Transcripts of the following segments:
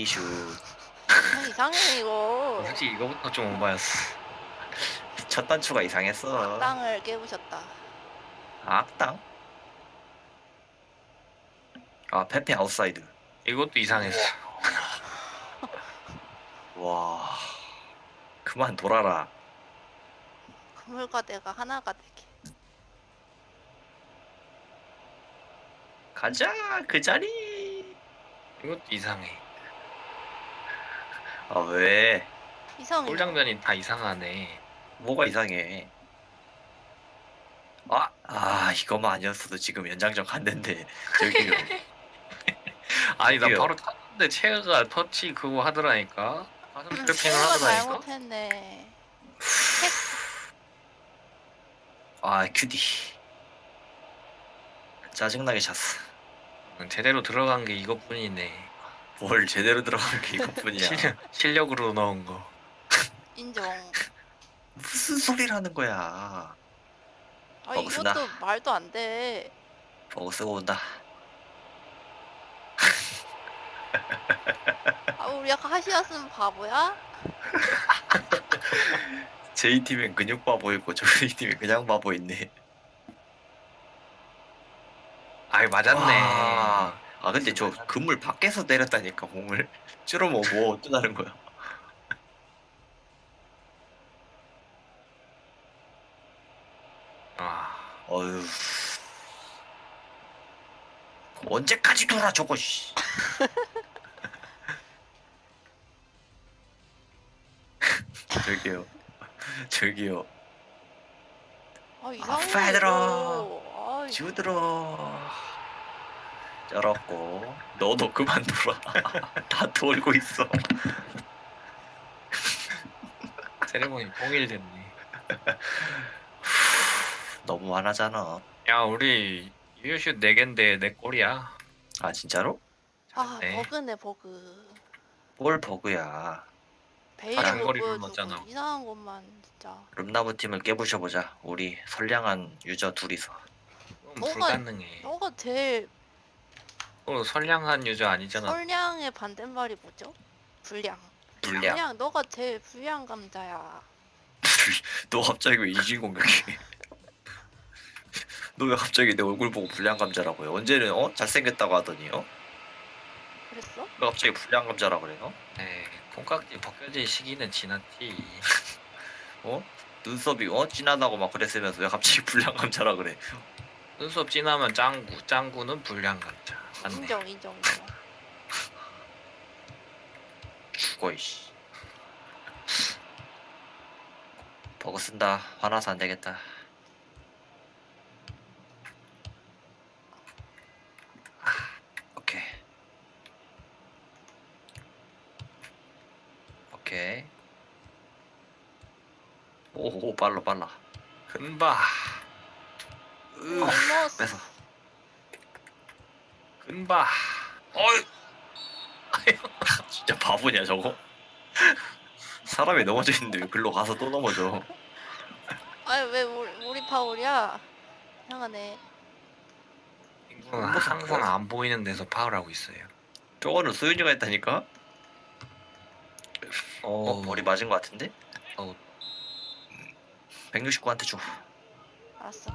슛. 형 이상해 이거. 솔직히 이거부터 좀 오바였어. 첫 단추가 이상했어. 땅을 깨부셨다. 악당? 아, 페페 아웃사이드. 이것도 이상했어. 와. 그만 돌아라. 그물과 내가 하나가 되게. 가자, 그 자리. 이것도 이상해. 아, 왜? 이상해. 골 장면이 다 이상하네. 뭐가 이상해? 이거만 아니었어도 지금 연장전 갔는데, 저기요. 아니 나 저기요. 바로 탔는데 체어가 터치 그거 하더라니까. 가슴 트래핑을 내가 하더라니까. 잘못했네. 큐디. 짜증나게 찼어. 제대로 들어간 게 이것뿐이네. 뭘 제대로 들어간 게 이것뿐이야. 실력으로 넣은 거. 인정. 무슨 소리를 하는 거야. 먹었으나. 이것도 말도 안 돼. 버그 쓰고 온다. 우리 약간 하시았으면 바보야? J팀엔 근육 바보 있고 저희 팀엔 그냥 바보 있네. 아이 맞았네. 근데 저 그물 밖에서 때렸다니까 공을. ጭ으면 뭐 어쩌다는 거야. 어휴. 언제까지 돌아 저거 씨. 저기요. 저기요. 이상해. 페드로. 이거. 주들어. 쩔었고. 너도 그만 돌아. 다 돌고 있어. 세레모니 통일됐네. 너무 많아잖아. 야 우리 유효슛 4개인데 4골이야. 아 진짜로? 네. 버그네 버그. 뭘 버그야. 베일을 장거리로 보여주고 넣었잖아. 이상한 것만 진짜. 름나무 팀을 깨부셔보자. 우리 선량한 유저 둘이서. 그건 너가- 불가능해. 너가 제일 선량한 유저 아니잖아. 선량의 반대말이 뭐죠? 불량. 불량. 너가 제일 불량 감자야. 너 갑자기 왜 이질 공격해? 너 왜 갑자기 내 얼굴 보고 불량 감자라고 해? 언제는 잘생겼다고 하더니 그랬어? 너 갑자기 불량 감자라 그래 너? 네, 콩깍지 벗겨질 시기는 지났지. 눈썹이 진하다고 막 그랬으면서 왜 갑자기 불량 감자라 그래? 눈썹 진하면 짱구, 짱구는 불량 감자. 맞네. 인정. 죽어 이씨. 버그 쓴다. 화나서 안 되겠다. 오케이. 오 빨라. 근바. 알모스. 뺏어. 근바. 어이. 진짜 바보냐 저거? 사람이 넘어져 있는데 왜 글로 가서 또 넘어져? 왜 우리 파울이야? 이상하네. 항상 안 보이는 데서 파울하고 있어요. 저거는 소윤이가 했다니까? 머리 맞은 것 같은데? 169한테 줘. 알았어.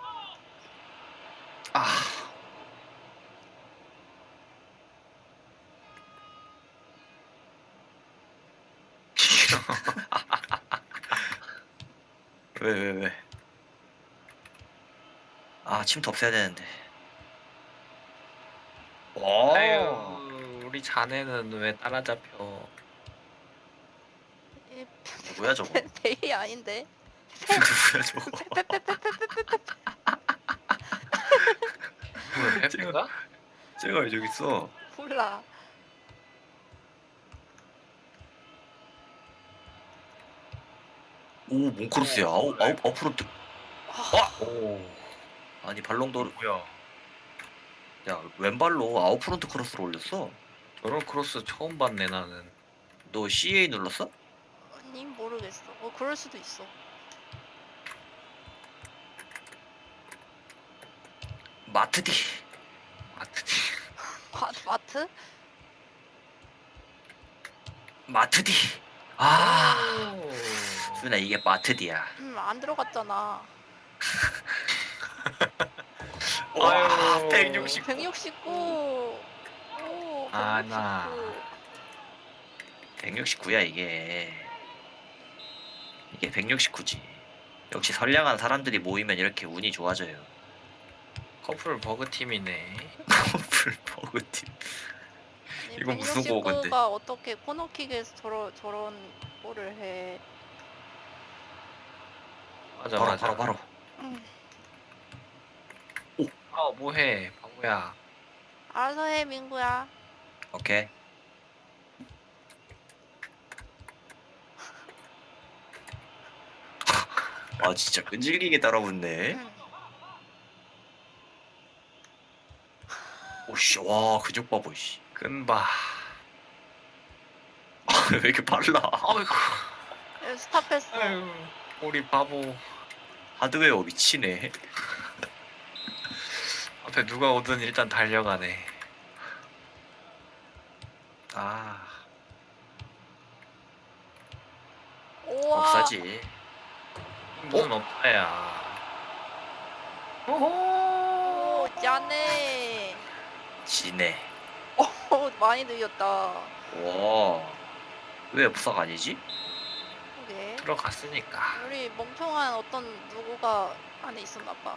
왜? 침투 없애야 되는데. 아유, 우리 자네는 왜 따라잡혀? 뭐야 저거? 베일이 아닌데. 누구야 저거? 왜 페페가? 쟤가 왜 저기 있어? 몰라. 오 몽크로스야. 아웃프론트. 오, 아니 발롱도르. 뭐야? 야 왼발로 아웃프론트 크로스를 올렸어. 저런 크로스 처음 봤네 나는. 너 CA 눌렀어? 아니 모르겠어. 그럴 수도 있어. 마트디. 마트지. 마트? 마트디. 아, 오. 수윤아 이게 마트디야. 안 들어갔잖아. 와, 아유. 160. 169. 오, 하나. 169. 169야 이게. 이게 169지. 역시 선량한 사람들이 모이면 이렇게 운이 좋아져요. 커플 버그 팀이네. 커플 버그팀. 아니, 이건 무슨 고건데? 169가 어떻게 코너킥에서 저런 골을 해. 맞아 바로 맞아. 바로 바로. 음, 아 뭐해 바보야. 알아서 해, 민구야. 오케이. 아 진짜 끈질기게 따라붙네. 음, 오씨, 와 근육 봐보 씨. 끈바. 왜 이렇게 빨라? 아이고. 스탑했어. 아유 우리 바보. 하드웨어 미치네. 앞에 누가 오든 일단 달려가네. 아, 우와. 없사지. 무슨 없다야. 오, 짠해. 지네. 오, 많이 늘렸다. 와, 왜 없사가 아니지? 그게. 들어갔으니까. 우리 멍청한 어떤 누구가 안에 있었나 봐.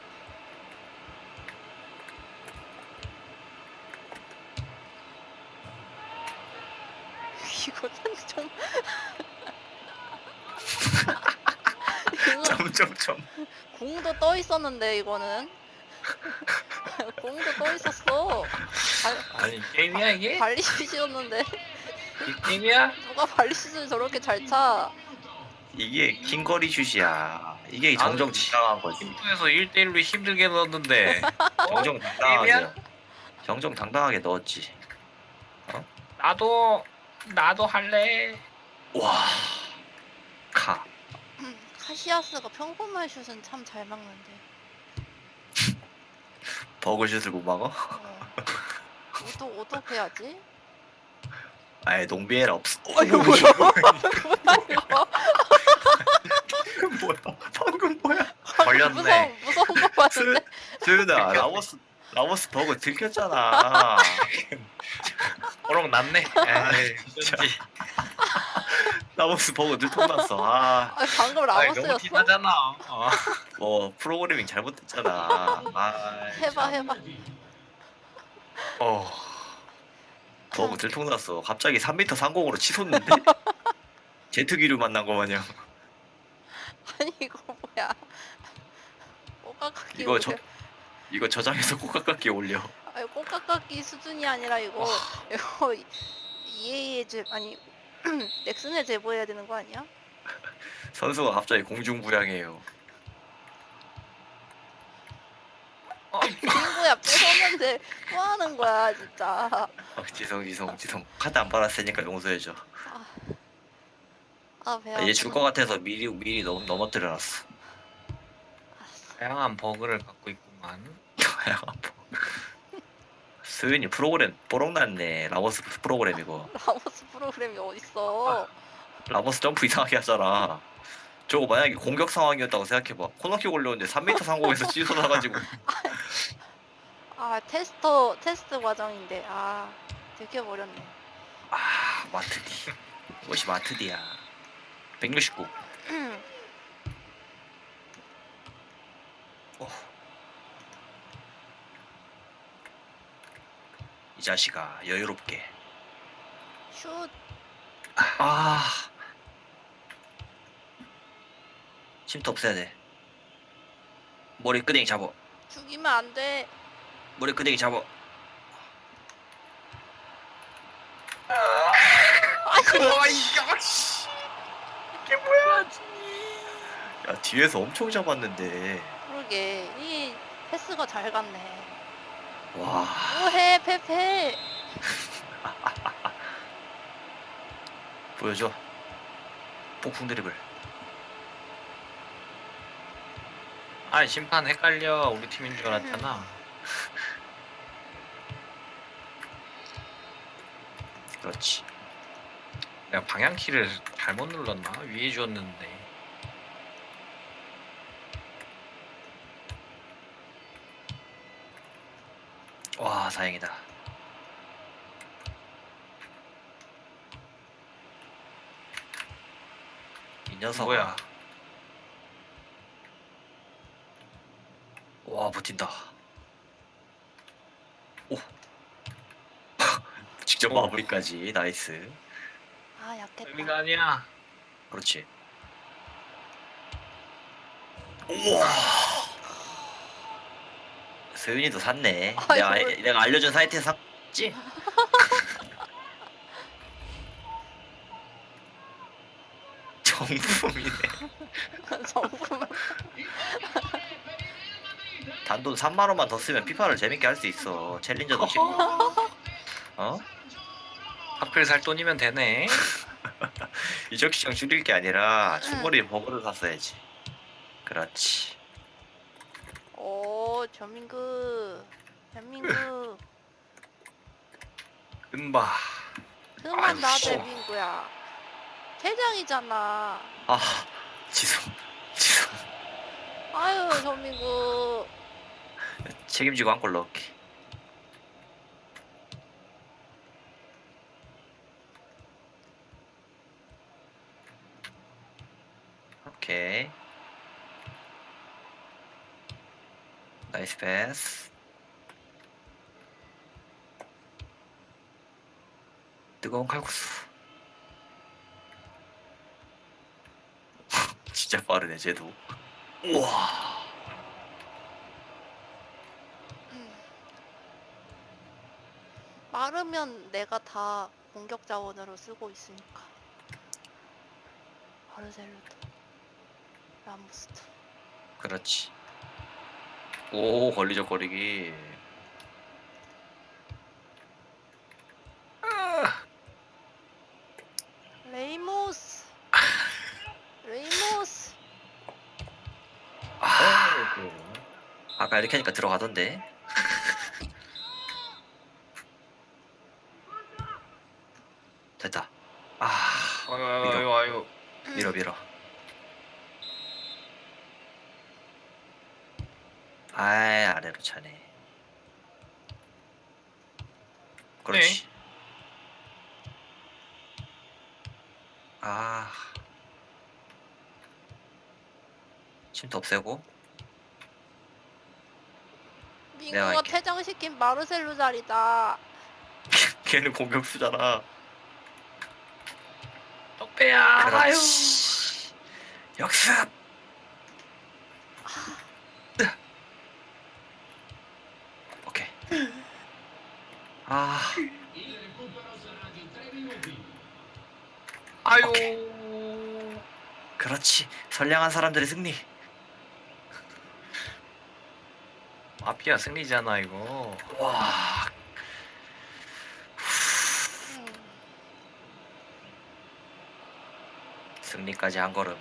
이거는 좀 이거 점점점. 공도 떠 있었는데 이거는 공도 떠 있었어. 아니 게임이야 이게? 발리슛이었는데 이 게임이야? 누가 발리슛을 저렇게 잘 차? 이게 킹거리 슛이야. 이게 나도 정정당당한 거지. 팀프에서 1대1로 힘들게 넣었는데 정정당당하게. 게임이야? 정정당당하게 넣었지. 나도 할래. 와, 카. 카시아스가 평범한 슛은 참 잘 막는데. 버그 슛을 못 막어? 어떻게 하지? 아예 농비에라 없어. 이거 뭐야? 이거 방금 뭐야? 방금 뭐야? 걸렸네. 무서운 거 봤는데. 수윤아, 라모스 버그 들켰잖아. 어록 났네. 에이 어쩐지. 라모스 버그 들통났어. 아, 방금 아이, 너무 라모스였어? 티나잖아. 뭐 프로그래밍 잘못됐잖아. 아, 해봐. 어. 버그 들통났어. 갑자기 3m 상공으로 치솟는데? 제트기류 만난 거 마냥. 아니 이거 뭐야? 꼬깍깎이 이거 올려. 이거 저장해서 꼬깍깎이 올려. 아니 꼬깍깎이 수준이 아니라 이거 EA의 아니 넥슨에 제보해야 되는 거 아니야? 선수가 갑자기 공중부양해요. 친구야 뺏었는데 뭐 하는 거야 진짜. 지성. 카드 안 받았으니까 용서해줘. 배야. 얘 줄 것 같아서 미리 넘어뜨려놨어. 다양한 버그를 갖고 있구만. 수윤이 프로그램 뽀록났네. 라모스 프로그램 이거. 라모스 프로그램이 어딨어? 라모스 점프 이상하게 하잖아. 저거 만약에 공격 상황이었다고 생각해봐. 코너킥 올려오는데 3m 상공에서 찢어나가지고. 테스트 과정인데 들켜버렸네. 아, 마트디. 이것이 마트디야. 169. 이 자식아, 여유롭게. 슛. 아, 침투 없애야 돼. 머리 끄댕이 잡어. 죽이면 안 돼. 머리 끄댕이 잡어. 이게 뭐야? 야, 뒤에서 엄청 잡았는데. 그러게 이 패스가 잘 갔네. 와, 뭐해 페페. 보여줘. 폭풍 드리블. 아 심판 헷갈려. 우리 팀인 줄 알았잖아. 그렇지. 내가 방향키를 잘못 눌렀나? 위에 줬는데. 와 다행이다. 이 녀석 뭐야? 와 버틴다. 오 직접 오. 마무리까지 나이스. 아 약했다. 의미가 아니야. 그렇지. 우와 서윤이도 샀네. 아이고. 내가 알려준 사이트에서 샀지? 정품이네. 정품. 단돈 3만 원만 더 쓰면 피파를 재밌게 할 수 있어. 챌린저도 찍고. 어? 하필 살 돈이면 되네. 이적 시장 줄일 게 아니라 충분히 버그를 샀어야지. 그렇지. 오 전민구. 전민구. 은바. 그만 아유, 나 씨. 대민구야. 퇴장이잖아. 아 지성 지성 아유 전민구. 책임지고 한 골 넣을게. 오케이. 나이스 패스. 뜨거운 칼국수. 진짜 빠르네 쟤도. 우와. 마르면 내가 다 공격 자원으로 쓰고 있으니까. 바르셀로도. 라모스도. 그렇지. 오 걸리적거리기. 레이모스. 레이모스. 아 아까 이렇게 하니까 들어가던데. 됐다. 아 아유. 밀어. 아이 아래로 차네. 그렇지. 아 침도 없애고. 민구가 할게. 퇴장시킨 마르셀로 자리다. 걔는 공격수잖아. 떡배야. 아유. 그렇지. 역습. 오케이. 아 아유. 오케이. 그렇지. 선량한 사람들의 승리. 마피아 승리잖아 이거. 와. 승리까지 한 걸음.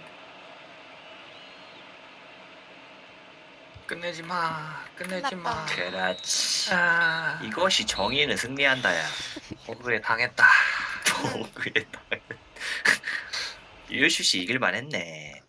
끝내지 마. 끝내지 마. 끝났다. 그렇지. 아. 이것이 정의는 승리한다야. 호구에 당했다. 또 그랬다. 유효슛이 이길만 했네.